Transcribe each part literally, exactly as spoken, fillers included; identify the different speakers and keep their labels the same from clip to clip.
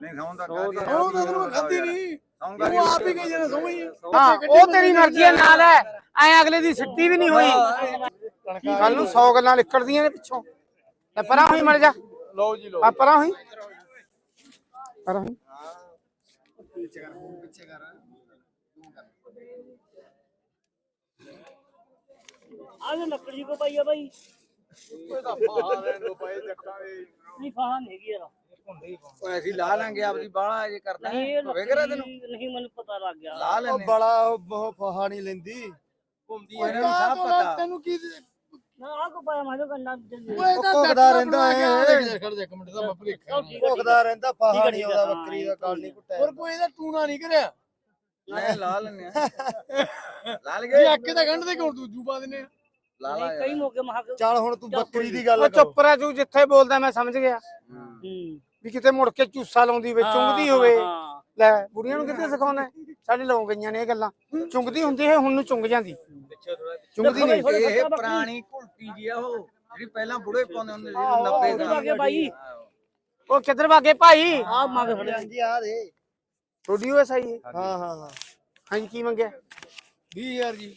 Speaker 1: ਨਹੀਂ ਖਾਉਂਦਾ
Speaker 2: ਉਹ ਤਾਂ ਤੈਨੂੰ ਖਾਂਦੀ ਨਹੀਂ ਉਹ ਆਪ ਹੀ ਗਈ ਜਣਾ ਸਮਝ
Speaker 3: ਹਾਂ ਉਹ ਤੇਰੀ ਮਰਜ਼ੀ ਹੈ ਨਾਲ ਹੈ ਐ ਅਗਲੇ ਦੀ ਸਿੱਟੀ ਵੀ ਨਹੀਂ ਹੋਈ ਕੱਲ ਨੂੰ ਸੌ ਗੱਲਾਂ ਨਿਕਲਦੀਆਂ ਨੇ ਪਿੱਛੋਂ ਤੇ ਪਰਾਂ ਹੋਈ ਮਰ ਜਾ
Speaker 2: ਲਓ ਜੀ ਲਓ
Speaker 3: ਆ ਪਰਾਂ ਹੋਈ ਪਰਾਂ ਹੋਈ
Speaker 2: ਪਿੱਛੇ ਕਰ ਪਿੱਛੇ ਕਰ
Speaker 4: ਆਹ ਲੱਕੜੀ ਕੋ ਪਾਈ ਆ ਬਾਈ
Speaker 2: ਉਹ ਤਾਂ ਫਾਹਾ ਰਹਿਣ ਦੋ ਪਏ ਜੱਟਾਂ ਦੇ
Speaker 4: ਨਹੀਂ ਫਾਹਾ ਨਹੀਂ ਹੈਗੀ ਯਾਰ
Speaker 1: ਓਏ ਅਸੀਂ ਲਾ ਲਾਂਗੇ ਆਪਦੀ ਬਾਲਾ ਜੇ ਕਰਦਾ
Speaker 4: ਨਹੀਂ ਇਹ
Speaker 1: ਹੋਵੇ ਕਰਾ ਤੈਨੂੰ
Speaker 4: ਲੱਕੜੀ ਨਹੀਂ ਮੈਨੂੰ ਪਤਾ ਲੱਗ ਗਿਆ
Speaker 1: ਲਾ
Speaker 2: ਉਹ
Speaker 1: ਲੈਨੇ
Speaker 2: ਬੜਾ ਬਹੁਤ ਫਾਹਾ ਨਹੀਂ ਲੈਂਦੀ
Speaker 1: ਘੁੰਮਦੀ ਇਹਨਾਂ ਨੂੰ ਸਭ ਪਤਾ
Speaker 2: ਤੈਨੂੰ ਕੀ
Speaker 4: ਨਾ ਆ ਕੋ ਪਾਇਆ ਮਾਜੋ ਕੰਨਾ
Speaker 2: ਭੁੱਖਦਾ ਰਹਿੰਦਾ ਹੈ ਖੜ ਜਾ ਇੱਕ ਮਿੰਟ ਦਾ ਮੈਂ ਭੁਲੇਖਾ ਭੁੱਖਦਾ ਰਹਿੰਦਾ ਫਾਹਾ ਨਹੀਂ ਆਉਂਦਾ ਬੱਕਰੀ ਦਾ ਗੱਲ ਨਹੀਂ ਘੁੱਟਿਆ ਹੋਰ ਕੋਈ ਇਹਦਾ ਟੂਣਾ ਨਹੀਂ ਕਰਿਆ
Speaker 1: ਲੈ ਲਾ ਲੈਨੇ ਆ ਲਾ
Speaker 2: ਇਹ
Speaker 1: ਲਗੇ
Speaker 2: ਅੱਕੇ ਤਾਂ ਗੰਢ ਦੇ ਕਿਉਂ ਦੂਜੂ ਪਾ ਦਿੰਨੇ ਆ
Speaker 1: ਲਾ ਲਾ
Speaker 4: ਕਈ ਮੌਕੇ ਮਹਾ
Speaker 2: ਚੱਲ ਹੁਣ ਤੂੰ ਬੱਕਰੀ ਦੀ ਗੱਲ
Speaker 3: ਉਹ ਚੁੱਪ ਰਹਿ ਤੂੰ ਜਿੱਥੇ ਬੋਲਦਾ ਮੈਂ ਸਮਝ ਗਿਆ
Speaker 4: ਹੂੰ
Speaker 3: ਵੀ ਕਿਤੇ ਮੁੜ ਕੇ ਚੂਸਾ ਲਾਉਂਦੀ ਵੇ ਚੁੰਗਦੀ ਹੋਵੇ
Speaker 4: ਹਾਂ
Speaker 3: ਲੈ ਬੁੜੀਆਂ ਨੂੰ ਕਿੱਥੇ ਸਿਖਾਉਣਾ ਸਾਡੇ ਲਾਉ ਗਈਆਂ ਨੇ ਇਹ ਗੱਲਾਂ ਚੁੰਗਦੀ ਹੁੰਦੀ ਹੈ ਹੁਣ ਨੂੰ ਚੁੰਗ ਜਾਂਦੀ ਚੁੰਗਦੀ ਨਹੀਂ
Speaker 1: ਇਹ ਪੁਰਾਣੀ ਘੁਲਟੀ ਜੀ ਆ ਉਹ ਜਿਹੜੀ ਪਹਿਲਾਂ ਬੁੜੇ ਪਾਉਂਦੇ ਹੁੰਦੇ ਸੀ ਨੱਬੇ
Speaker 4: ਉਹ
Speaker 1: ਦਾ
Speaker 4: ਅੱਗੇ ਬਾਈ
Speaker 3: ਉਹ ਕਿੱਧਰ ਭਾਗੇ ਭਾਈ
Speaker 4: ਆ ਮੰਗ ਫੜਿਆ
Speaker 2: ਹਾਂਜੀ ਆ ਦੇ
Speaker 3: ਥੋੜੀ ਹੋਏ ਸਹੀ
Speaker 2: ਹਾਂ ਹਾਂ ਹਾਂ
Speaker 3: ਹਾਂਜੀ ਕੀ ਮੰਗਿਆ
Speaker 2: ਵੀਹ ਹਜ਼ਾਰ ਜੀ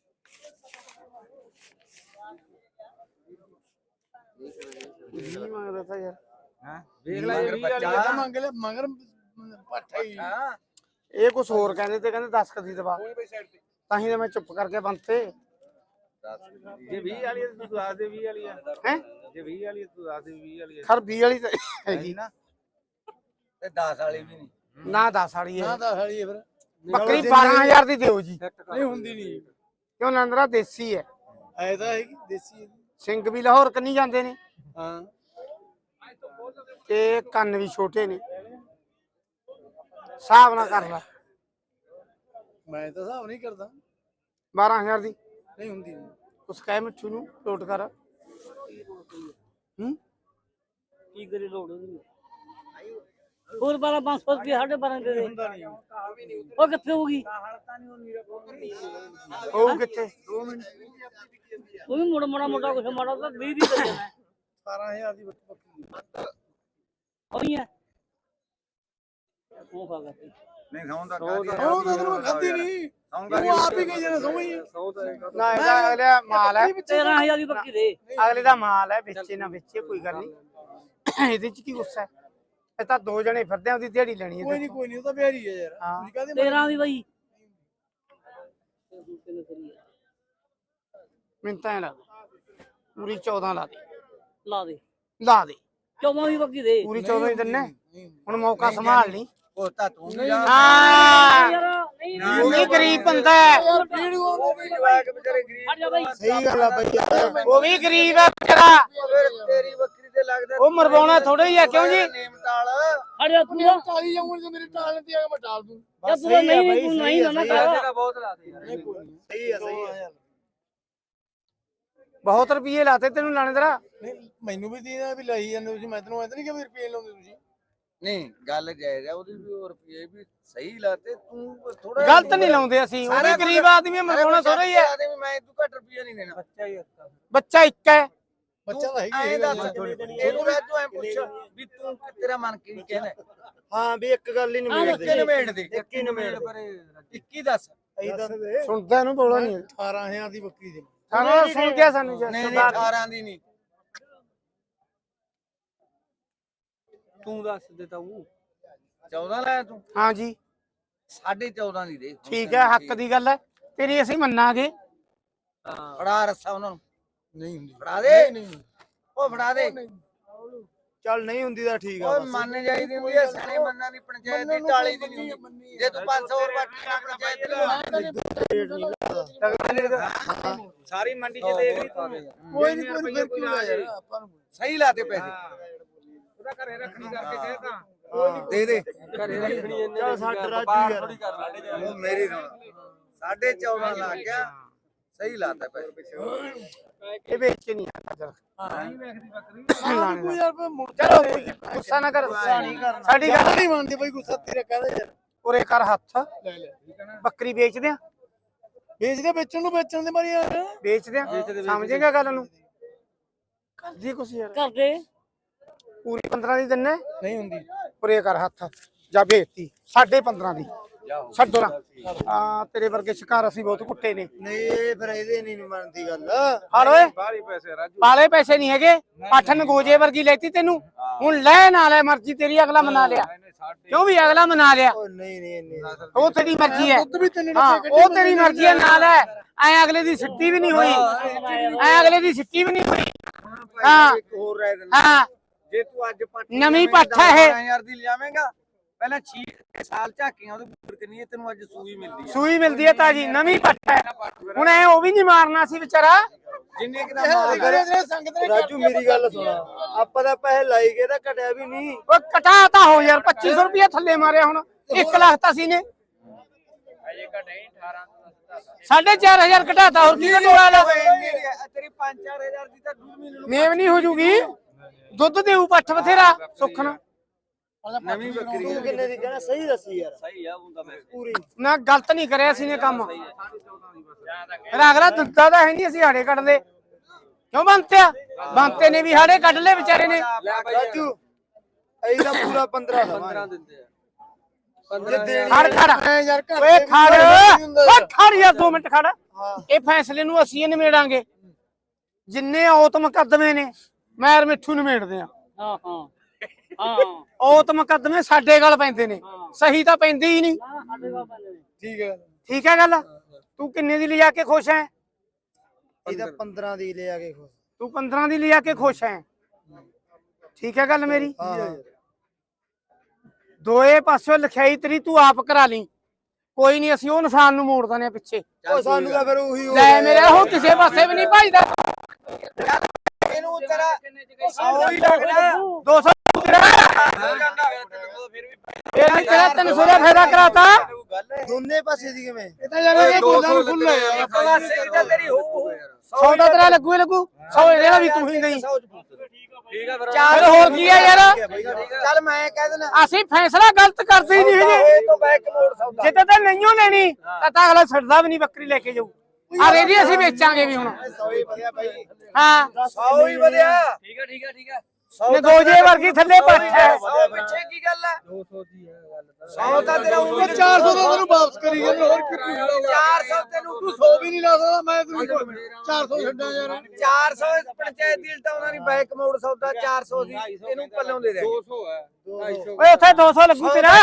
Speaker 3: ਵੀਹ ਮੰਗਦਾ ਤਾਂ ਯਾਰ
Speaker 1: ਹਾਂ ਵੇਖ ਲੈ ਇਹ ਬੱਚਾ
Speaker 2: ਬੱਚਾ ਮੰਗ ਲੈ ਮਗਰ ਪੱਠਾ ਹੀ
Speaker 1: ਹਾਂ
Speaker 3: ਇਹ ਕੁਝ ਹੋਰ ਕਹਿੰਦੇ ਤੇ ਕਹਿੰਦੇ ਦਸ ਕਦੀ ਦਵਾ ਤਾਂ ਹੀ ਤਾਂ ਮੈਂ ਚੁੱਪ ਕਰਕੇ ਬੰਤੇ
Speaker 1: ਜੇ ਵੀਹ ਵਾਲੀ ਆ ਤੂੰ ਦੱਸ ਦੇ ਵੀਹ ਵਾਲੀ ਆ
Speaker 3: ਹੈ
Speaker 1: ਜੇ ਵੀਹ ਵਾਲੀ ਆ ਤੂੰ ਦੱਸ ਦੇ ਵੀਹ ਵਾਲੀ ਆ
Speaker 3: ਖਰ ਵੀਹ ਵਾਲੀ ਤਾਂ ਹੈਗੀ
Speaker 1: ਨਾ ਤੇ ਦਸ ਵਾਲੀ ਵੀ ਨਹੀਂ
Speaker 3: ਨਾ ਦਸ ਵਾਲੀ
Speaker 2: ਨਾ
Speaker 3: ਹੈ
Speaker 2: ਤਾਂ ਹਲੀ ਫਿਰ
Speaker 3: ਬੱਕਰੀ ਬਾਰਾਂ ਹਜ਼ਾਰ ਦੀ ਦਿਓ ਜੀ
Speaker 2: ਨਹੀਂ ਹੁੰਦੀ ਨਹੀਂ
Speaker 3: ਕਿਉਂ ਨੰਦਰਾ ਦੇਸੀ ਹੈ
Speaker 2: ਐ ਤਾਂ ਹੈਗੀ ਦੇਸੀ ਹੈ।
Speaker 3: ਸਿੰਘ ਵੀ ਲਾਹੌਰ ਕੰਨੀ ਜਾਂਦੇ ਨੇ
Speaker 2: ਹਾਂ
Speaker 3: ਤੇ ਕੰਨ ਵੀ ਛੋਟੇ ਨੇ ਹਿਸਾਬ ਨਾ ਕਰ ਲੈ
Speaker 2: ਮੈਂ ਤਾਂ ਹਿਸਾਬ ਨਹੀਂ ਕਰਦਾ
Speaker 3: ਬਾਰਾਂ ਹਜ਼ਾਰ ਦੀ
Speaker 2: ਨਹੀਂ ਹੁੰਦੀ ਨਹੀਂ
Speaker 3: ਉਸ ਕਹਿ ਮਿੱਠੂ ਨੂੰ ਲੋਟ ਕਰ ਹੂੰ
Speaker 4: ਕੀ ਕਰੀ ਲੋੜ ਉਹਦੀ ਹੋਰ ਬਾਰਾਂ ਪੰਜ ਸੌ ਰੁਪਏ ਸਾਡੇ ਬਾਰਾਂ ਦੇ ਦੇ
Speaker 2: ਹੁੰਦਾ ਨਹੀਂ
Speaker 4: ਉਹ ਕਿੱਥੇ ਹੋਊਗੀ
Speaker 3: ਉਹ ਕਿੱਥੇ
Speaker 4: ਉਹ ਵੀ ਮੋੜਾ ਮੋੜਾ ਮੋਟਾ ਕੁਛ ਮਾੜਾ ਤਾਂ ਵੀਹ ਦੀ ਦੇ ਦੇਣਾ
Speaker 2: ਸਤਾਰਾਂ ਹਜ਼ਾਰ ਦੀ ਬੱਕਰੀ
Speaker 4: ਉਹੀ ਹੈ ਉਹ ਖਾ ਗਿਆ
Speaker 1: ਨਹੀਂ ਖਾਉਂਦਾ
Speaker 2: ਉਹ ਤਾਂ ਤੈਨੂੰ ਖਾਂਦੀ ਨਹੀਂ ਉਹ ਆਪ ਹੀ ਗਈ ਜਣਾ ਸਮਝ
Speaker 3: ਨਾ ਇਹਦਾ ਅਗਲੇ ਮਾਲ ਹੈ
Speaker 4: ਤੇਰਾਂ ਹਜ਼ਾਰ ਦੀ ਬੱਕੀ ਦੇ
Speaker 3: ਅਗਲੇ ਦਾ ਮਾਲ ਹੈ ਵੇਚੇ ਨਾ ਵੇਚੇ ਕੋਈ ਗੱਲ ਨਹੀਂ ਇਹਦੇ ਚ ਕੀ ਗੁੱਸਾ ਹੈ ਇਹ ਤਾਂ ਦੋ ਜਣੇ ਫਿਰਦੇ ਆ ਉਹਦੀ ਦਿਹਾੜੀ ਲੈਣੀ
Speaker 2: ਕੋਈ
Speaker 3: ਹੈ
Speaker 2: ਨਹੀਂ ਕੋਈ ਨਹੀਂ ਉਹ ਤਾਂ ਬਿਹਾਰੀ ਹੈ ਯਾਰ
Speaker 3: ਹਾਂ।
Speaker 2: ਤੁਸੀਂ ਕਹਦੇ
Speaker 4: ਤੇਰਾਂ ਦੀ ਬਾਈ
Speaker 3: ਮੈਨੂੰ ਤਾਂ ਐਂ ਲੱਗਦਾ ਪੂਰੀ ਚੌਦਾਂ ਲਾ ਦੇ
Speaker 4: ਲਾ ਦੇ
Speaker 3: ਲਾ ਦੇ
Speaker 4: ਚੌਵਾਂ ਦੀ ਬੱਕੀ ਦੇ
Speaker 3: ਪੂਰੀ ਚੌਦਾਂ ਹੀ ਦਿੰਨੇ ਹੁਣ ਮੌਕਾ ਸੰਭਾਲ ਲਈ
Speaker 1: ਉਹ ਤਾਂ ਤੂੰ ਵੀ ਜਾ
Speaker 3: ਹਾਂ
Speaker 4: ਯਾਰ ਨਹੀਂ
Speaker 3: ਉਹ ਵੀ ਗਰੀਬ ਬੰਦਾ ਹੈ
Speaker 1: ਜਵਾਕ ਵਿਚਾਰੇ ਗਰੀਬ
Speaker 4: ਹਟ ਜਾ ਬਾਈ
Speaker 2: ਸਹੀ ਗੱਲ ਆ ਬਈ
Speaker 3: ਉਹ ਵੀ ਗਰੀਬ ਹੈ ਵਿਚਾਰਾ
Speaker 1: ਫਿਰ ਤੇਰੀ ਬੱਕਰੀ ਤੇ ਲੱਗਦਾ
Speaker 3: ਉਹ ਮਰਵਾਉਣਾ ਥੋੜਾ ਹੀ ਆ ਕਿਉਂ ਜੀ
Speaker 1: ਨੇਮਤਾਲ
Speaker 4: ਹਟ ਜਾ ਤੂੰ ਯਾਰ
Speaker 2: ਟਾਲੀ ਜਾਊਂਗਾ ਜੇ ਮੇਰੇ ਟਾਲ ਤੇ ਆ ਕੇ ਮੈਂ ਟਾਲ ਦੂੰ
Speaker 4: ਤੂੰ ਨਹੀਂ ਨਹੀਂ ਤੂੰ ਨਹੀਂ ਨਾ ਕਰ
Speaker 1: ਤੇਰਾ ਬਹੁਤ ਲਾ ਦੇ ਯਾਰ
Speaker 2: ਸਹੀ ਹੈ ਸਹੀ ਹੈ
Speaker 3: ਬਹੁਤ ਰੁਪਏ ਲਾਤੇ ਤੈਨੂੰ ਲਾਣੇਦਾਰਾ
Speaker 2: ਨਹੀਂ ਮੈਨੂੰ ਵੀ ਦੇ ਵੀ ਲਈ ਜਾਂਦੇ ਤੁਸੀਂ ਮੈਂ ਤੈਨੂੰ ਐਂ ਨਹੀਂ ਕਿ ਵੀ ਰੁਪਏ ਲਾਉਂਦੇ ਤੁਸੀਂ
Speaker 1: ਨਹੀਂ ਗੱਲ ਜਾਇਜ਼ ਆ ਉਹਦੀ ਵੀ ਹੋਰ ਰੁਪਏ ਵੀ ਸਹੀ ਲਾਤੇ ਤੂੰ ਥੋੜਾ
Speaker 3: ਗਲਤ ਨਹੀਂ ਲਾਉਂਦੇ ਅਸੀਂ ਉਹ ਵੀ ਗਰੀਬ ਆਦਮੀ ਮਰਵਾਉਣਾ ਥੋੜਾ ਹੀ ਹੈ
Speaker 1: ਮੈਂ ਤੂੰ ਘੱਟ ਰੁਪਏ ਨਹੀਂ ਦੇਣਾ ਬੱਚਾ ਹੀ
Speaker 3: ਬੱਚਾ ਇੱਕ ਹੈ
Speaker 2: ਬੱਚਾ ਤਾਂ ਹੈਗੀ
Speaker 1: ਐਂ ਦੱਸ ਇਹਨੂੰ ਰਾਜੂ ਐਂ ਪੁੱਛ ਵੀ ਤੂੰ ਤੇਰਾ ਮਨ ਕੀ ਕਹਿੰਦਾ
Speaker 2: ਹਾਂ ਵੀ ਇੱਕ ਗੱਲ ਹੀ ਨਹੀਂ
Speaker 1: ਇੱਕੀ ਨਵੇੜ ਦੇ ਇੱਕੀ ਨਵੇੜ ਪਰ ਇੱਕੀ ਦੱਸ
Speaker 3: ਸੁਣਦਾ ਇਹਨੂੰ ਬੋਲਾ ਨਹੀਂ
Speaker 2: ਅਠਾਰਾਂ ਹਜ਼ਾਰ ਦੀ ਬੱਕਰੀ ਦੇ
Speaker 3: ਸਾਨੂੰ ਸੁਣ ਗਿਆ ਸਾਨੂੰ ਜੀ
Speaker 1: ਨਹੀਂ ਨਹੀਂ ਅਠਾਰਾਂ ਦੀ ਨਹੀਂ ਤੂੰ ਦੱਸ ਦੇ ਤਾ ਉਹ ਚੌਦਾਂ ਲਾਇਆ ਤੂੰ
Speaker 3: ਹਾਂ ਜੀ
Speaker 1: ਸਾਢੇ ਚੌਦਾਂ ਦੀ ਦੇ
Speaker 3: ਠੀਕ ਹੈ ਹੱਕ ਦੀ ਗੱਲ ਹੈ ਤੇਰੀ ਅਸੀਂ ਮੰਨਾਂਗੇ
Speaker 1: ਫੜਾ ਰੱਸਾ ਉਹਨਾਂ ਨੂੰ
Speaker 2: ਨਹੀਂ ਹੁੰਦੀ
Speaker 1: ਫੜਾ ਦੇ ਉਹ ਫੜਾ ਦੇ
Speaker 2: ਚੱਲ ਨਹੀਂ ਹੁੰਦੀ ਤਾਂ ਠੀਕ ਆ
Speaker 1: ਓਏ ਮੰਨ ਜਾਈਦੀ ਹੁੰਦੀ ਐ ਸਿਆਣੇ ਮੰਨਾਂ ਦੀ ਪੰਚਾਇਤ ਦੀ ਟਾਲੀ ਦੀ ਨਹੀਂ ਹੁੰਦੀ ਜੇ ਤੂੰ ਪੰਜ ਸੌ ਰੁਪਏ ਨਾ ਪੰਚਾਇਤ ਦੀ
Speaker 3: ਸਾਰੀ ਮੰਡੀ 'ਚ ਦੇਖ ਲਈ ਤੂੰ
Speaker 2: ਕੋਈ ਨਹੀਂ ਕੋਈ ਫਿਰ ਕਿਉਂ ਯਾਰ ਆਪਾਂ ਨੂੰ
Speaker 1: ਸਹੀ ਲਾਤੇ ਪੈਸੇ
Speaker 3: ਉਹਦਾ ਘਰੇ ਰੱਖਣੀ ਕਰਕੇ ਕਹੇ ਤਾਂ
Speaker 1: ਦੇ ਦੇ
Speaker 3: ਘਰੇ ਰੱਖਣੀ ਇਹਨੇ
Speaker 2: ਚੱਲ ਸਾਡਾ ਰਾਜੂ ਯਾਰ
Speaker 1: ਉਹ ਮੇਰੀ ਸੁਣ ਸਾਢੇ ਚੌਦਾਂ ਲੱਗ ਗਿਆ ਸਹੀ ਲਾਤਾ ਪੈਸੇ
Speaker 3: ਇਹ ਵੇਚ ਕੇ ਨਹੀਂ ਆਇਆ ਚੱਲ
Speaker 2: ਕੋਈ ਯਾਰ ਮੁੜ
Speaker 3: ਚਲੋ ਗੁੱਸਾ ਨਾ ਕਰ ਸਾਡੀ ਗੱਲ
Speaker 2: ਨਹੀਂ ਮੰਨਦੇ ਬਈ ਗੁੱਸਾ ਤੇਰਾ ਕਹਦਾ ਯਾਰ
Speaker 3: ਉਰੇ ਕਰ ਹੱਥ
Speaker 2: ਲੈ ਲੈ
Speaker 3: ਬੱਕਰੀ ਵੇਚਦੇ ਆ
Speaker 2: ਵੇਚ ਕੇ ਵੇਚਣ ਨੂੰ ਵੇਚਣ ਦੇ ਮਾਰੀ ਯਾਰ
Speaker 3: ਵੇਚਦੇ ਆ ਸਮਝੇਗਾ ਗੱਲ ਨੂੰ ਕਰਦੀ ਕੁਛ ਯਾਰ
Speaker 4: ਕਰਦੇ
Speaker 3: ਪੂਰੀ ਪੰਦਰਾਂ ਦੀ ਦਿੰਨੇ
Speaker 2: ਨਹੀਂ ਹੁੰਦੀ
Speaker 3: ਉਰੇ ਕਰ ਹੱਥ ਜਾ ਭੇਜਤੀ ਸਾਢੇ ਪੰਦਰਾਂ ਦੀ ਛੱਡੋ ਨਾ ਆ ਤੇਰੇ ਵਰਗੇ ਸ਼ਿਕਾਰ ਅਸੀਂ ਬਹੁਤ ਕੁੱਟੇ ਨੇ
Speaker 2: ਨਹੀਂ ਇਹ ਫਿਰ ਇਹਦੇ ਨਹੀਂ ਮੰਨਦੀ ਗੱਲ
Speaker 3: ਹਾਲ ਓਏ
Speaker 1: ਬਾਹਲੀ ਪੈਸੇ ਰਾਜੂ
Speaker 3: ਪਾਲੇ ਪੈਸੇ ਨਹੀਂ ਹੈਗੇ ਪਾਠਨ ਗੋਜੇ ਵਰਗੀ ਲੈਤੀ ਤੈਨੂੰ ਹੁਣ ਲੈ ਨਾ ਲੈ ਮਰਜ਼ੀ ਤੇਰੀ ਅਗਲਾ ਮਨਾ ਲਿਆ ਕਿਉਂ ਵੀ ਅਗਲਾ ਮਨਾ ਲਿਆ
Speaker 2: ਉਹ ਨਹੀਂ ਨਹੀਂ ਨਹੀਂ
Speaker 3: ਉਹ ਤੇਰੀ ਮਰਜ਼ੀ ਹੈ ਹਾਂ ਉਹ ਤੇਰੀ ਮਰਜ਼ੀ ਹੈ ਨਾਲ ਹੈ ਐ ਅਗਲੇ ਦੀ ਸਿੱਟੀ ਵੀ ਨਹੀਂ ਹੋਈ ਐ ਅਗਲੇ ਦੀ ਸਿੱਟੀ ਵੀ ਨਹੀਂ ਹੋਈ ਹਾਂ
Speaker 1: ਹੋਰ ਰਹਿ ਦਿੰਦਾ
Speaker 3: ਹਾਂ
Speaker 1: ਜੇ ਤੂੰ ਅੱਜ ਪੱਟ
Speaker 3: ਨਵੀਂ ਪੱਠ ਹੈ ਇਹ
Speaker 1: ਹਜ਼ਾਰ ਦੀ ਲਿਆਵੇਂਗਾ ਪਹਿਲਾਂ ਛੇ ਸਾਲ ਝਾਕੀਆਂ ਉਹਦੇ ਉੱਪਰ ਕਿੰਨੀ ਹੈ ਤੈਨੂੰ ਅੱਜ ਸੂਈ ਮਿਲਦੀ ਹੈ
Speaker 3: ਸੂਈ ਮਿਲਦੀ ਹੈ ਤਾਜੀ ਨਵੀਂ ਪੱਠ ਹੈ ਹੁਣ ਐ ਉਹ ਵੀ ਨਹੀਂ ਮਾਰਨਾ ਸੀ ਵਿਚਾਰਾ
Speaker 1: ਜਿੰਨੇ ਕਿ ਦਾ ਮਾਲ
Speaker 2: ਰਾਜੂ ਮੇਰੀ ਗੱਲ ਸੁਣ ਆਪਾਂ ਤਾਂ ਪੈਸੇ ਲਾਈ ਗਏ ਤਾਂ ਘਟਿਆ ਵੀ ਨਹੀਂ
Speaker 3: ਉਹ ਕਟਾ ਤਾਂ ਹੋ ਯਾਰ ਪੱਚੀ ਸੌ ਰੁਪਏ ਥੱਲੇ ਮਾਰਿਆ ਹੁਣ ਇੱਕ ਲੱਖ ਤਾਂ ਸੀ ਨੇ
Speaker 1: ਅਜੇ ਘਟੇ ਅਠਾਰਾਂ
Speaker 3: ਸਾਢੇ ਚਾਰ ਹਜ਼ਾਰ ਘਟਾਤਾ ਹੋਰ ਕੀ ਘਟੋਲਾ ਲਾ
Speaker 1: ਤੇਰੀ ਪੰਜ ਚਾਰ ਹਜ਼ਾਰ ਦੀ ਤਾਂ ਦੂਰ ਮਹੀਨੇ ਨੂੰ
Speaker 3: ਮੇਵ ਨਹੀਂ ਹੋ ਜੂਗੀ ਦੁੱਧ ਦੇਊ ਪੱਠ ਬਥੇਰਾ ਸੁੱਖਣਾ
Speaker 1: ਨਵੀਂ ਬੱਕਰੀ
Speaker 2: ਤੂੰ ਕਿੰਨੇ ਦੀ ਕਹਿਣਾ ਸਹੀ ਦੱਸੀ ਯਾਰ
Speaker 1: ਸਹੀ ਆ ਹੁੰਦਾ ਮੈਂ
Speaker 2: ਪੂਰੀ
Speaker 3: ਨਾ ਗਲਤ ਨਹੀਂ ਕਰਿਆ ਸੀ ਨੇ ਕੰਮ ਫਿਰ ਅਗਲਾ ਦੁੱਧਾ ਤਾਂ ਹੈ ਨਹੀਂ ਅਸੀਂ ਹਾੜੇ ਕੱਢਦੇ ਕਿਉਂ ਬੰਤਿਆ ਬੰਤੇ ਨੇ ਵੀ ਹਾੜੇ ਕੱਢ ਲਏ ਵਿਚਾਰੇ ਨੇ
Speaker 2: ਰਾਜੂ ਅਸੀਂ ਤਾਂ ਪੂਰਾ ਪੰਦਰਾਂ ਦਵਾਂਗੇ
Speaker 1: ਦਿੰਦੇ ਆ
Speaker 3: ਖੜ ਖੜ ਓਏ ਖੜ ਓ ਖੜ ਯਾਰ ਦੋ ਮਿੰਟ ਖੜ ਇਹ ਫੈਸਲੇ ਨੂੰ ਅਸੀਂ ਹੀ ਨਿਮੇੜਾਂਗੇ ਜਿੰਨੇ ਔਤ ਮੁਕੱਦਮੇ ਨੇ ਮੈਰ ਮਿੱਠੂ ਨਿਮੇੜਦੇ ਆ
Speaker 4: ਹਾਂ ਹਾਂ ਹਾਂ
Speaker 3: ਔਤ ਮੁਕੱਦਮੇ ਸਾਡੇ ਗੱਲ ਪੈਂਦੇ ਨੇ ਸਹੀ ਤਾਂ ਪੈਂਦੇ ਹੀ ਨਹੀਂ
Speaker 4: ਸਾਡੇ ਕੋਲ ਪੈਂਦੇ ਨੇ
Speaker 2: ਠੀਕ ਹੈ
Speaker 3: ਠੀਕ ਹੈ ਗੱਲ ਤੂੰ ਕਿੰਨੇ ਦੀ ਲਿਜਾ ਕੇ ਖੁਸ਼ ਹੈ
Speaker 2: ਇਹ ਤਾਂ ਪੰਦਰਾਂ ਦੀ ਲੈ ਆ ਕੇ ਖੁਸ਼
Speaker 3: ਤੂੰ ਪੰਦਰਾਂ ਦੀ ਲਿਜਾ ਕੇ ਖੁਸ਼ ਹੈ ਠੀਕ ਹੈ ਗੱਲ ਮੇਰੀ
Speaker 2: ਹਾਂ
Speaker 3: ਦੋਏ ਪਾਸਿਓਂ ਲਿਖਾਈ ਤੇਰੀ ਤੂੰ ਆਪ ਕਰਾ ਲਈ ਕੋਈ ਨਹੀਂ ਅਸੀਂ ਉਹ ਇਨਸਾਨ ਨੂੰ ਮੋੜ ਦਨੇ ਪਿੱਛੇ
Speaker 2: ਉਹ ਸਾਨੂੰ ਤਾਂ ਫਿਰ ਉਹੀ ਹੋ
Speaker 3: ਲੈ ਮੇਰੇ ਉਹ ਕਿਸੇ ਪਾਸੇ ਵੀ ਨਹੀਂ ਭਜਦਾ
Speaker 1: ਇਹਨੂੰ ਤੇਰਾ ਸੌ ਹੀ ਲੱਗਦਾ
Speaker 3: ਦੋ ਸੌ ਇਹ ਵੀ ਤੇਰਾ ਤਿੰਨ ਸੌ ਦਾ ਫਾਇਦਾ ਕਰਾਤਾ
Speaker 2: ਦੋਨੇ ਪਾਸੇ ਦੀ ਕਿਵੇਂ
Speaker 3: ਇਹ ਤਾਂ ਯਾਰ ਇਹ ਗੋਲਾਂ ਨੂੰ ਖੁੱਲ
Speaker 1: ਇੱਕ ਪਾਸੇ ਦੀ ਤਾਂ ਤੇਰੀ ਹੋਊ
Speaker 3: ਸੌ ਦਾ ਤੇਰਾ ਲੱਗੂ ਹੀ ਲੱਗੂ ਸੌ ਇਹਦਾ ਵੀ ਤੂੰ ਹੀ ਨਹੀਂ
Speaker 1: ਠੀਕ ਆ ਫਿਰ
Speaker 3: ਚਾਰ ਹੋਰ ਕੀ ਆ ਯਾਰ
Speaker 1: ਚੱਲ ਮੈਂ ਕਹਿ ਦਿੰਦਾ
Speaker 3: ਅਸੀਂ ਫੈਸਲਾ ਗਲਤ ਕਰਦੇ ਹੀ ਨਹੀਂ ਹੈਗੇ
Speaker 1: ਇਹ ਤੋਂ ਬੈਕ ਮੋੜ ਸੌਦਾ
Speaker 3: ਜੇ ਤਾਂ ਨਹੀਂਓ ਲੈਣੀ ਤਾਂ ਤਾਂ ਅਗਲਾ ਛੱਡਦਾ ਵੀ ਨਹੀਂ ਬੱਕਰੀ ਲੈ ਕੇ ਜਾਊ ਅਰੇ ਜੀ ਅਸੀਂ ਵੇਚਾਂਗੇ ਵੀ ਹੁਣ
Speaker 2: ਸੌ ਹੀ ਵਧੀਆ ਭਾਈ
Speaker 3: ਹਾਂ
Speaker 1: ਸੌ ਹੀ ਵਧਿਆ ਠੀਕ ਆ ਠੀਕ ਆ ਠੀਕ ਆ
Speaker 3: ਨਗੋਜੇ ਵਰਗੀ ਥੱਲੇ ਪੱਠ ਹੈ
Speaker 1: ਸੌ ਪਿੱਛੇ ਕੀ ਗੱਲ ਹੈ ਦੋ ਸੌ ਦੀ ਹੈ ਗੱਲ ਸੌ ਤਾਂ ਤੇਰਾ ਉਹ
Speaker 2: ਚਾਰ ਸੌ ਦਾ ਤੈਨੂੰ ਵਾਪਸ ਕਰੀ ਜਾਂਦਾ ਹੋਰ ਕਿੰਨੀ
Speaker 1: ਚਾਰ ਸੌ ਤੈਨੂੰ
Speaker 2: ਤੂੰ ਸੌ ਵੀ ਨਹੀਂ ਲਾ ਸਕਦਾ ਮੈਂ ਤੈਨੂੰ ਚਾਰ ਸੌ ਛੱਡਾਂ ਯਾਰ
Speaker 1: ਚਾਰ ਸੌ ਪੰਚਾਇਤ ਦੀ ਤਾਂ ਉਹਨਾਂ ਦੀ ਬੈਕ ਮੋੜ ਸੌਦਾ ਚਾਰ ਸੌ ਦੀ ਇਹਨੂੰ ਪੱਲੋਂ ਦੇ ਦੇ ਦੋ ਸੌ ਹੈ
Speaker 3: ਓਏ ਉੱਥੇ ਦੋ ਸੌ ਲੱਗੂ ਤੇਰਾ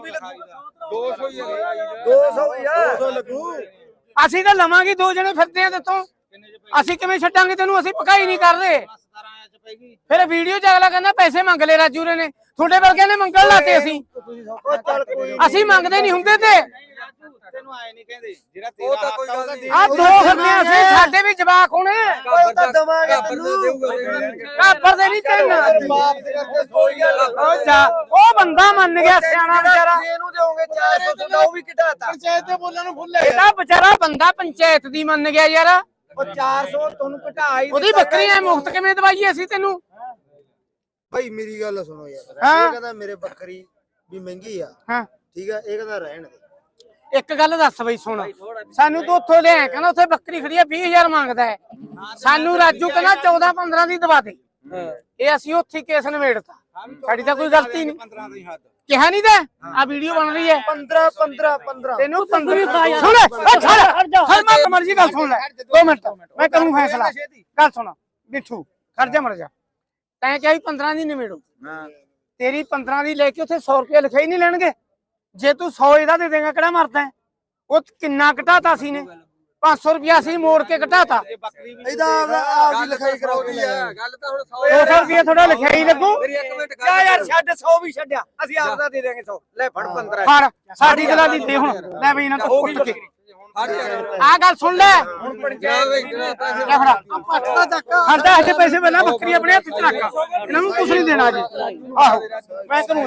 Speaker 1: ਦੋ ਸੌ ਹੀ ਦੋ ਸੌ ਹੀ ਆ
Speaker 2: ਦੋ ਸੌ ਲੱਗੂ
Speaker 3: ਅਸੀਂ ਤਾਂ ਲਵਾਂਗੇ ਦੋ ਜਣੇ ਫਿਰਦੇ ਆ ਤੇਤੋਂ ਅਸੀਂ ਕਿਵੇਂ ਛੱਡਾਂਗੇ ਤੈਨੂੰ ਅਸੀਂ ਪਕਾਈ ਨਹੀਂ ਕਰਦੇ ਫਿਰ ਵੀਡੀਓ ਚ ਅਗਲਾ ਕਹਿੰਦਾ ਪੈਸੇ ਮੰਗ ਲੈ ਰਾਜੂ ਨੇ ਤੁਹਾਡੇ ਵਰਗਿਆਂ ਨੇ ਮੰਗਣ ਲਾਤੇ ਅਸੀਂ
Speaker 2: ਉਹ ਚੱਲ ਕੋਈ
Speaker 3: ਅਸੀਂ ਮੰਗਦੇ ਨਹੀਂ ਹੁੰਦੇ ਤੇ
Speaker 1: ਤੈਨੂੰ ਆਏ ਨਹੀਂ ਕਹਿੰਦੇ ਜਿਹੜਾ ਤੇਰਾ ਹੱਕ ਆ ਉਹਦਾ ਦੇ
Speaker 3: ਆ ਦੋ ਫਿਰਦੇ ਆ ਅਸੀਂ ਸਾਡੇ ਵੀ ਜਵਾਕ ਹੋਣੇ
Speaker 2: ਉਹ ਤਾਂ ਦਵਾਂਗੇ ਤੈਨੂੰ
Speaker 3: ਕਾਪਰ ਦੇ ਨਹੀਂ ਤੈਨੂੰ
Speaker 2: ਬਾਪ ਦੇ ਕਰਕੇ ਕੋਈ ਗੱਲ
Speaker 3: ਉਹ ਜਾ ਉਹ ਬੰਦਾ ਮੰਨ ਗਿਆ ਸਿਆਣਾ ਵਿਚਾਰਾ
Speaker 1: ਇਹਨੂੰ ਦੇਵੋਗੇ ਚਾਰ ਸੌ ਤੁਹਾਡਾ ਉਹ ਵੀ ਘਟਾਤਾ
Speaker 2: ਪੰਚਾਇਤ ਦੇ ਬੋਲਣ ਨੂੰ ਭੁੱਲ
Speaker 3: ਇਹਦਾ ਵਿਚਾਰਾ ਬੰਦਾ ਪੰਚਾਇਤ ਦੀ ਮੰਨ ਗਿਆ ਯਾਰ
Speaker 1: ਉਹ ਚਾਰ ਸੌ ਤੁਹਾਨੂੰ ਘਟਾ ਹੀ
Speaker 3: ਉਹਦੀ ਬੱਕਰੀ ਐ ਮੁਫਤ ਕਿਵੇਂ ਦਵਾਈਏ ਅਸੀਂ ਤੈਨੂੰ
Speaker 2: ਭਾਈ ਮੇਰੀ ਗੱਲ ਸੁਣੋ ਯਾਰ
Speaker 3: ਹਾਂ।
Speaker 2: ਇਹ ਕਹਿੰਦਾ ਮੇਰੇ ਬੱਕਰੀ ਵੀ ਮਹਿੰਗੀ ਆ
Speaker 3: ਹਾਂ
Speaker 2: ਠੀਕ ਆ ਇਹ ਕਹਿੰਦਾ ਰਹਿਣ ਦੇ
Speaker 3: ਇੱਕ ਗੱਲ ਦੱਸ ਬਈ ਸੁਣ ਸਾਨੂੰ ਤੂੰ ਉੱਥੋਂ ਲਿਆ ਕਹਿੰਦਾ ਉੱਥੇ ਬੱਕਰੀ ਖੜੀ ਆ ਵੀਹ ਹਜ਼ਾਰ ਮੰਗਦਾ ਹੈ ਸਾਨੂੰ ਰਾਜੂ ਕਹਿੰਦਾ ਚੌਦਾਂ ਪੰਦਰਾਂ ਦੀ ਦਵਾ ਦੇ ਇਹ ਅਸੀਂ ਉੱਥੇ ਕੇਸ ਨਿਬੇੜਤਾ ਸਾਡੀ ਤਾਂ ਕੋਈ ਗਲਤੀ ਨਹੀਂ
Speaker 1: ਪੰਦਰਾਂ ਦੀ ਹੱਦ
Speaker 3: ਕਿਹਾ ਨਹੀਂ ਤੇ ਆ ਵੀਡੀਓ ਬਣ ਰਹੀ ਹੈ
Speaker 2: ਪੰਦਰਾਂ ਪੰਦਰਾਂ ਪੰਦਰਾਂ
Speaker 3: ਤੈਨੂੰ ਪੰਦਰਾਂ ਸੁਣ ਲੈ ਓ ਛੱਡ ਹਰ ਮੈਂ ਮਰਜ਼ੀ ਗੱਲ ਸੁਣ ਲੈ ਦੋ ਮਿੰਟ ਮੈਂ ਕਰੂੰ ਫੈਸਲਾ ਗੱਲ ਸੁਣ ਮਿੱਠੂ ਖੜ ਜਾ ਮਰ ਜਾ ਤੈਂ ਕਿਹਾ ਵੀ ਪੰਦਰਾਂ ਦੀ ਨਿਬੇੜੋ
Speaker 1: ਹਾਂ
Speaker 3: ਤੇਰੀ ਪੰਦਰਾਂ ਦੀ ਲੈ ਕੇ ਉੱਥੇ ਸੌ ਰੁਪਏ ਲਿਖਾਈ ਨਹੀਂ ਲੈਣਗੇ ਜੇ ਤੂੰ ਸੌ ਇਹਦਾ ਦੇ ਦੇਗਾ ਕਿਹੜਾ ਮਰਦਾ ਉਹ ਕਿੰਨਾ ਘਟਾਤਾ ਸੀ ਨੇ ਪੰਜ ਸੌ ਰੁਪਿਆ ਸੀ ਮੋੜ ਕੇ ਘਟਾਤਾ
Speaker 2: ਇਹਦਾ ਆਪਦੀ ਲਿਖਾਈ ਕਰਾਓ ਕਿ ਲੈ
Speaker 1: ਗੱਲ ਤਾਂ ਹੁਣ
Speaker 3: ਦੋ ਸੌ ਰੁਪਏ ਥੋੜਾ ਲਿਖਾਈ ਲੱਗੂ
Speaker 1: ਮੇਰੀ ਇੱਕ ਮਿੰਟ ਗੱਲ ਯਾਰ ਛੱਡ ਸੌ ਵੀ ਛੱਡਿਆ ਅਸੀਂ ਆਪ ਦਾ ਦੇ ਦੇਾਂਗੇ ਸੌ ਲੈ ਫੜ ਪੰਦਰਾਂ
Speaker 3: ਫੜ ਸਾਡੀ ਦਲਾਲੀ ਦੇ ਹੁਣ ਲੈ ਬਈ ਇਹਨਾਂ ਤੋਂ ਪੁੱਟ ਕੇ ਆ ਗੱਲ ਸੁਣ ਲੈ
Speaker 1: ਹੁਣ ਪੰਚਾਇਤ
Speaker 3: ਲੈ ਫੜਾ ਪੱਟ ਦਾ ਚੱਕ ਖੜਦਾ ਇੱਥੇ ਪੈਸੇ ਪਹਿਲਾਂ ਬੱਕਰੀ ਆਪਣੇ ਹੱਥ ਚ ਰੱਖ ਇਹਨਾਂ ਨੂੰ ਕੁਝ ਨਹੀਂ ਦੇਣਾ ਜੀ ਆਹੋ ਮੈਂ ਤੈਨੂੰ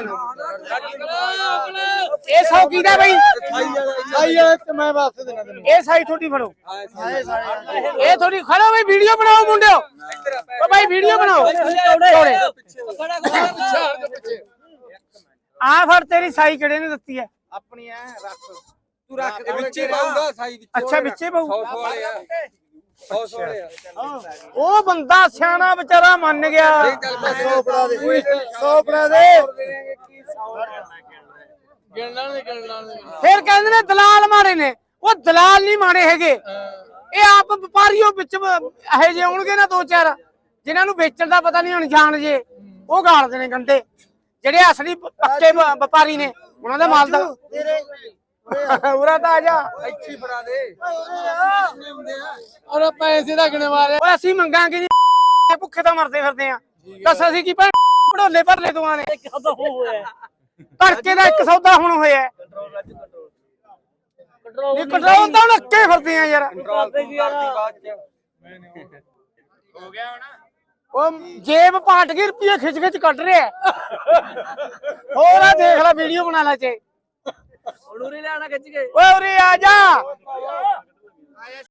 Speaker 3: ਇਹ ਸੌ ਕੀ ਦਾ ਬਈ
Speaker 2: ਸਾਈ ਆ ਤੇ ਮੈਂ ਵਾਪਸ ਦੇਣਾ ਤੈਨੂੰ
Speaker 3: ਇਹ ਸਾਈ ਥੋੜੀ ਫੜੋ ਇਹ ਥੋੜੀ ਖੜੋ ਬਈ ਵੀਡੀਓ ਬਣਾਓ ਮੁੰਡਿਓ ਓ ਭਾਈ ਵੀਡੀਓ ਬਣਾਓ ਛੋੜੇ ਆ ਫੜ ਤੇਰੀ ਸਾਈ ਕਿਹੜੇ ਨੇ ਦਿੱਤੀ ਹੈ
Speaker 1: ਆਪਣੀ ਐ ਰੱਖ ਤੂੰ ਰੱਖ ਦੇ ਵਿੱਚੇ ਪਾਉਂਦਾ ਸਾਈ ਵਿੱਚ
Speaker 3: ਅੱਛਾ ਵਿੱਚੇ ਪਾਉ
Speaker 1: ਸੌ ਵਾਲੇ ਆ
Speaker 3: ਉਹ ਬੰਦਾ ਸਿਆਣਾ ਵਿਚਾਰਾ ਮੰਨ ਗਿਆ।
Speaker 2: ਸੌ ਫੜਾ ਦੇ ਸੌ ਫੜਾ ਦੇ
Speaker 3: ਫਿਰ ਕਹਿੰਦੇ ਨੇ ਦਲਾਲ ਮਾੜੇ ਨੇ। ਉਹ ਦਲਾਲ ਨਹੀਂ ਮਾੜੇ ਹੈਗੇ, ਇਹ ਆਪ ਵਪਾਰੀਓ ਵਿੱਚ ਇਹੋ ਜਿਹੇ ਆਉਣਗੇ ਨਾ ਦੋ ਚਾਰ ਜਿਨ੍ਹਾਂ ਨੂੰ ਵੇਚਣ ਦਾ ਪਤਾ ਨਹੀਂ, ਅਣਜਾਣ ਜੇ ਉਹ ਗਾਲਦੇ ਨੇ ਗੰਡੇ। ਜਿਹੜੇ ਅਸਲੀ ਪੱਕੇ ਵ- ਵਪਾਰੀ ਨੇ ਉਹਨਾਂ ਦਾ ਮਾਲ ਦਾ ਉਰਾ ਤਾਂ ਆ ਜਾ
Speaker 1: ਇੱਥੇ ਫੜਾ ਦੇ
Speaker 2: ਔਰ ਪੈਸੇ ਦਾ ਕਿਨੇ ਮਾਰਿਆ।
Speaker 3: ਓਏ ਅਸੀਂ ਮੰਗਾਂਗੇ ਨਹੀਂ, ਭੁੱਖੇ ਤਾਂ ਮਰਦੇ ਫਿਰਦੇ ਆ। ਦੱਸ ਅਸੀਂ ਕੀ ਭੈਣ ਢੋਲੇ ਭਰਲੇ ਦੋਆਂ ਨੇ।
Speaker 4: ਇੱਕ ਹੱਥ ਹੋ ਹੋਇਆ
Speaker 3: ਤੜਕੇ ਦਾ ਇੱਕ ਸੌਦਾ ਹੁਣ ਹੋਇਆ।
Speaker 4: ਕੰਟਰੋਲ
Speaker 3: ਇਹ ਕੰਟਰੋਲ ਤਾਂ ਹੁਣ ਅੱਕੇ ਫਿਰਦੇ ਆ ਯਾਰ।
Speaker 4: ਕਰਦੇ ਕੀ ਯਾਰ
Speaker 3: ਉਹ ਜੇਬ ਪਾਟ ਗਈ, ਰੁਪਏ ਖਿੱਚ ਖਿੱਚ ਕੱਢ ਰਿਹਾ। ਹੋਰ ਆ ਦੇਖ ਲੈ, ਵੀਡੀਓ ਬਣਾ ਲੈ ਚੇ।
Speaker 4: ਉਰੇ ਲੈਣਾ ਖਿੱਚ ਕੇ
Speaker 3: ਓਏ ਉਰੇ ਆ ਜਾ।